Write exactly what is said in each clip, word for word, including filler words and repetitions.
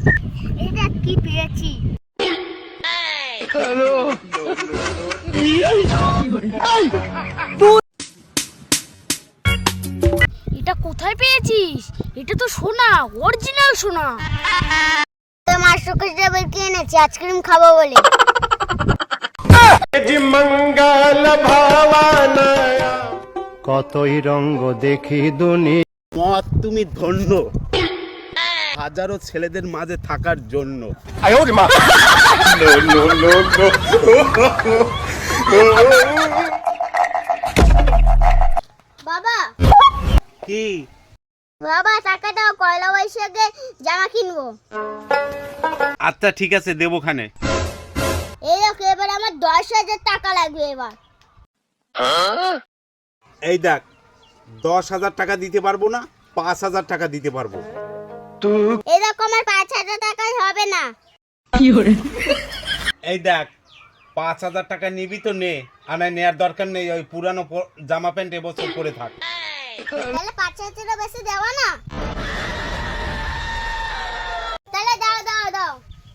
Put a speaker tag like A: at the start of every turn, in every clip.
A: এটা কি পেয়েছি? এটা কোথায় পেয়েছিস? এটা তো সোনা, অরিজিনাল সোনা। তোমার শোকেশ ডাবল কে এনেছে আইসক্রিম খাবো বলে।
B: কতই রঙ্গ দেখি দুনি।
C: মত তুমি ধন্য হাজারো ছেলেদের মাঝে থাকার জন্য।
A: বাবা
C: কি
A: বাবা টাকা দাও, পয়লা বৈশাখে জামা কিনবো।
C: আচ্ছা ঠিক আছে দেবোখানে।
A: এই দেখো এবার আমার দশ হাজার টাকা লাগবে এবার।
C: এই দেখ দশ হাজার টাকা দিতে পারবো না, পাঁচ হাজার টাকা দিতে পারবো।
A: এই দেখো আমার পাঁচ হাজার টাকায় হবে না।
C: এই দেখ পাঁচ হাজার টাকা নিবি তো নে, আর না নেওয়ার দরকার নেই। ওই পুরানো প- জামা প্যান্ট এবছর পরে থাক।
A: তাহলে পাঁচ হাজারও বেশি দেওয়া না? তাহলে দাও দাও দাও।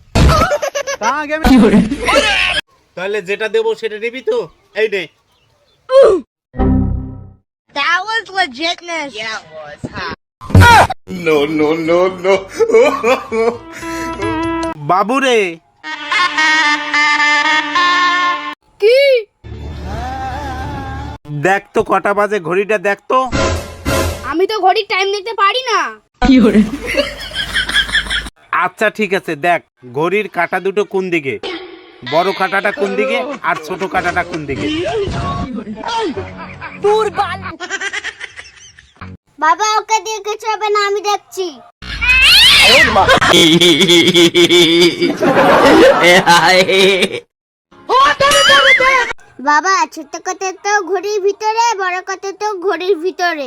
C: তাহলে যেটা দেবো সেটা নিবি তো? এই নে।
A: That was legitness. Yeah, it was.
C: No, no, no, no. বাবুরে
A: কি?
C: দেখ তো কটা বাজে, ঘড়িটা দেখ তো।
A: আমি তো ঘড়ির টাইম দেখতে পারি না।
C: আচ্ছা ঠিক আছে, দেখ ঘড়ির কাঁটা দুটো কোন দিকে, বড় কাঁটাটা কোন দিকে আর ছোট কাঁটাটা কোন দিকে।
A: বাবা ওকে দিয়ে কিছু হবে না, আমি দেখছি। বাবা ছোট কথা তো ঘড়ির ভিতরে, বড় কথা তো ঘড়ির ভিতরে।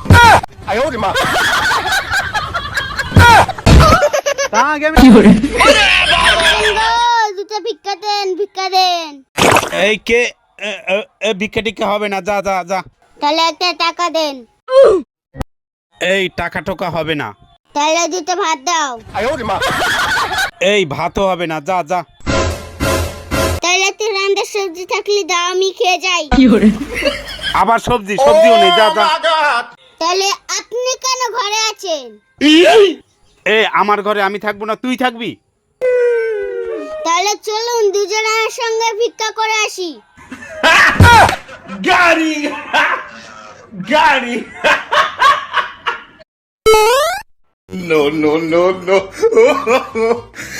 A: দুটো ভিক্ষা দেন, ভিক্ষা দেন।
C: এই কে? এ- এ- এ ভিক্ষা টিক্ষা হবে না, যা যা যা।
A: তাহলে একটা টাকা দেন।
C: এই টাকা টোকা হবে না।
A: তাহলে দুটো ভাত দাও।
C: এই ভাতও হবে না, যা যা।
A: তাহলে তুই রান্নার সবজি থাকলে দাও, আমি খেয়ে যাই।
C: আবার সবজি, সবজিও নেই, যা যা।
A: তাহলে আপনি কেন ঘরে আছেন?
C: এ আমার ঘরে আমি থাকবো না, তুই থাকবি?
A: তাহলে চলুন দুজনের সঙ্গে ভিক্ষা করে আসি।
C: গাড়ি গাড়ি। No, no, no, no.